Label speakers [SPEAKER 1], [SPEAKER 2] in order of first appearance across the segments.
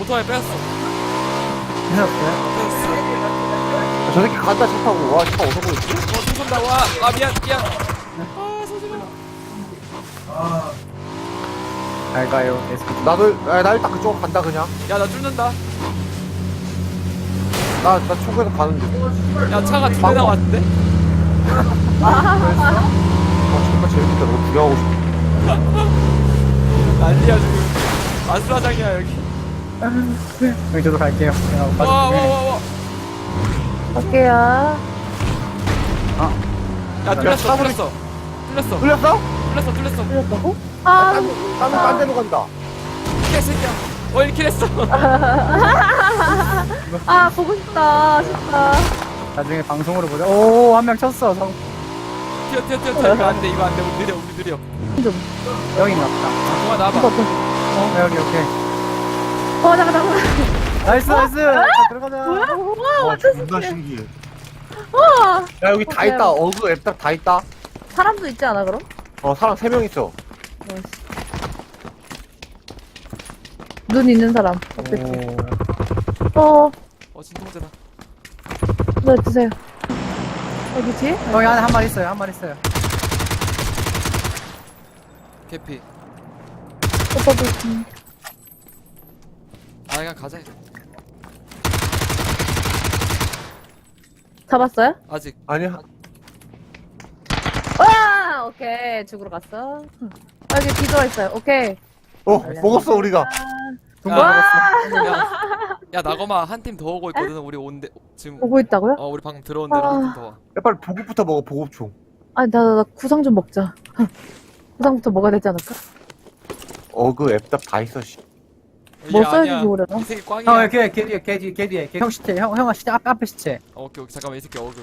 [SPEAKER 1] 오토바이 뺐어.
[SPEAKER 2] 괜찮았어요?
[SPEAKER 1] 뺐어.
[SPEAKER 3] 저 새끼 간다 차 타고. 와, 차 어디서 보였지?
[SPEAKER 1] 또 쏜다. 와, 미안. 아, 소지마.
[SPEAKER 2] 잘 가요. 에스쿠.
[SPEAKER 3] 나 일단 그쪽으로 간다, 그냥.
[SPEAKER 1] 야, 나 뚫는다.
[SPEAKER 3] 나 초구에서 가는데.
[SPEAKER 1] 야, 차가 두 대나 왔는데?
[SPEAKER 3] 정말 재밌겠다. 너 구경하고 싶어.
[SPEAKER 1] 난리야, 지금. 아수라장이야, 여기.
[SPEAKER 2] 여기 저도 갈게요.
[SPEAKER 1] 와.
[SPEAKER 4] 갈게요.
[SPEAKER 1] 야, 뚫렸어.
[SPEAKER 3] 뚫렸어?
[SPEAKER 4] 틀렸다고? 아,
[SPEAKER 3] 딴 데로 간다.
[SPEAKER 1] 개새끼야. 1킬 했어.
[SPEAKER 4] 아, 보고 싶다. 아쉽다.
[SPEAKER 2] 나중에 방송으로 보자. 오, 한 명 쳤어.
[SPEAKER 1] 튀어. 이거 안 돼. 우리 느려.
[SPEAKER 2] 여기 있나보다.
[SPEAKER 1] 동아, 나와봐.
[SPEAKER 2] 여기, 오케이.
[SPEAKER 4] 잠깐.
[SPEAKER 2] 나이스. 자, 들어가자.
[SPEAKER 4] 와,
[SPEAKER 3] 와,
[SPEAKER 4] 완전
[SPEAKER 3] 존나
[SPEAKER 4] 신기해.
[SPEAKER 3] 신기해.
[SPEAKER 4] 와,
[SPEAKER 3] 야, 여기 다 있다. 어그 앱딱 다 있다.
[SPEAKER 4] 사람도 있지 않아, 그럼?
[SPEAKER 3] 사람 3명 있어.
[SPEAKER 4] 눈 있는 사람.
[SPEAKER 2] 오.
[SPEAKER 4] 진통제다.
[SPEAKER 1] 진통제다.
[SPEAKER 4] 네, 드세요. 어디 뒤에?
[SPEAKER 2] 여기 안에 한 마리 있어요.
[SPEAKER 1] 개피.
[SPEAKER 4] 오빠도
[SPEAKER 1] 아, 그냥 가자.
[SPEAKER 4] 잡았어요?
[SPEAKER 1] 아직.
[SPEAKER 3] 아니야.
[SPEAKER 4] 와, 오케이. 죽으러 갔어. 여기 뒤돌아 있어요. 오케이.
[SPEAKER 3] 먹었어, 우리가.
[SPEAKER 4] 와,
[SPEAKER 1] 야, 나거마 한 팀 더 오고 있거든. 우리 온데 지금.
[SPEAKER 4] 오고 있다고요?
[SPEAKER 1] 우리 방금 들어온 데로 한 팀 더 와.
[SPEAKER 3] 야, 빨리 보급부터 먹어, 보급총.
[SPEAKER 4] 아니, 나 구상 좀 먹자. 구상부터 먹어야 되지 않을까?
[SPEAKER 3] 어그 앱딱 다 있어, 씨.
[SPEAKER 4] 뭐
[SPEAKER 1] 얘
[SPEAKER 4] 써야지
[SPEAKER 1] 아니야.
[SPEAKER 4] 좋으려나?
[SPEAKER 1] 이 새끼
[SPEAKER 2] 형,
[SPEAKER 1] 꽝이야.
[SPEAKER 2] 걔 뒤에. 형 시체. 형아 시체. 앞에 시체.
[SPEAKER 1] 오케이. 잠깐만, 이 새끼 어그.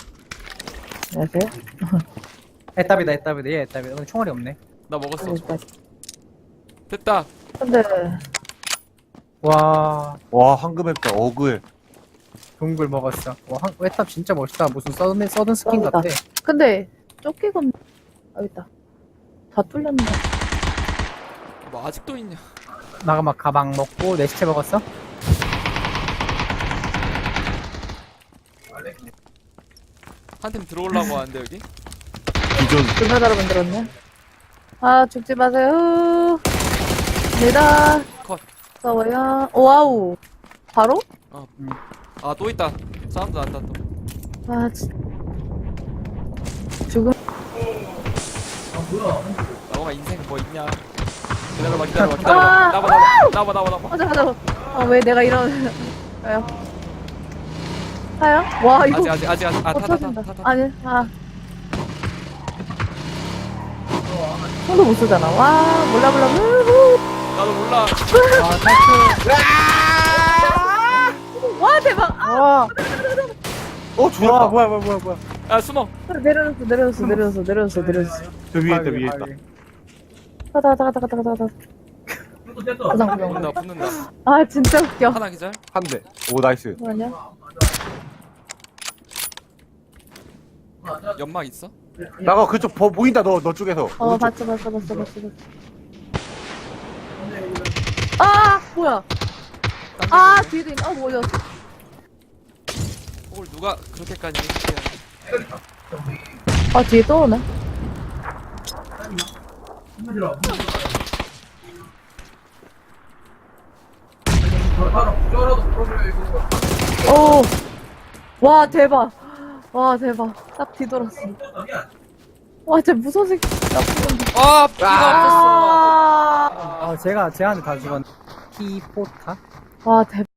[SPEAKER 4] 안녕하세요.
[SPEAKER 2] 애답이다. 얘 애답이다. 오늘 총알이 없네.
[SPEAKER 1] 나 먹었어.
[SPEAKER 4] 일단.
[SPEAKER 1] 됐다.
[SPEAKER 4] 근데
[SPEAKER 2] 와,
[SPEAKER 3] 와, 황금 앱딱 어그 앱.
[SPEAKER 2] 동굴 먹었어. 와, 애답 진짜 멋있다. 무슨 서든 스킨
[SPEAKER 4] 짱이다.
[SPEAKER 2] 같아.
[SPEAKER 4] 근데 쫓기가 여기 있다. 다 뚫렸네.
[SPEAKER 1] 뭐 아직도 있냐?
[SPEAKER 2] 나가 막 가방 먹고 내 시체 먹었어?
[SPEAKER 1] 한 팀 들어오려고 하는데 여기?
[SPEAKER 3] 기존.
[SPEAKER 4] 불바다로 만들었네. 아, 죽지 마세요. 니다.
[SPEAKER 1] 컷.
[SPEAKER 4] 싸워요. 와우. 바로?
[SPEAKER 1] 아, 또 있다. 사운드 난다 또.
[SPEAKER 4] 아, 죽음.
[SPEAKER 1] 나거마 인생 뭐 있냐? 기다려봐.
[SPEAKER 4] 아!
[SPEAKER 1] 나봐.
[SPEAKER 4] 잠깐. 왜 내가 이런. 왜요? 타요? 와, 이거.
[SPEAKER 1] 아직. 타.
[SPEAKER 4] 터진다. 아니, 손도 못 쓰잖아. 와, 몰라.
[SPEAKER 1] 나도 몰라.
[SPEAKER 2] 와, 탈출.
[SPEAKER 4] 와, 대박.
[SPEAKER 2] 와,
[SPEAKER 3] 죽었다.
[SPEAKER 2] 뭐야.
[SPEAKER 1] 야, 숨어.
[SPEAKER 4] 내려줬어.
[SPEAKER 3] 저 위에 있다, 위에 있다.
[SPEAKER 4] 가다. 구상.
[SPEAKER 1] 붙는다.
[SPEAKER 4] 아, 진짜 웃겨.
[SPEAKER 1] 하나 기절.
[SPEAKER 3] 한 대. 오, 나이스.
[SPEAKER 4] 뭐냐?
[SPEAKER 1] 연막 있어?
[SPEAKER 3] 나가 그쪽 보인다, 너 쪽에서.
[SPEAKER 4] 봤어. 아, 뭐야? 아, 뒤에도 있네. 뭐야?
[SPEAKER 1] 그걸 누가 그렇게까지 했지?
[SPEAKER 4] 아, 뒤에 또 오네. 오, 와, 대박. 딱 뒤돌았어. 와, 진짜 무서운 새끼.
[SPEAKER 1] 아, 피가 없었어.
[SPEAKER 4] 아,
[SPEAKER 2] 제가 쟤한테 다 죽었네. 키포타?
[SPEAKER 4] 와, 대박.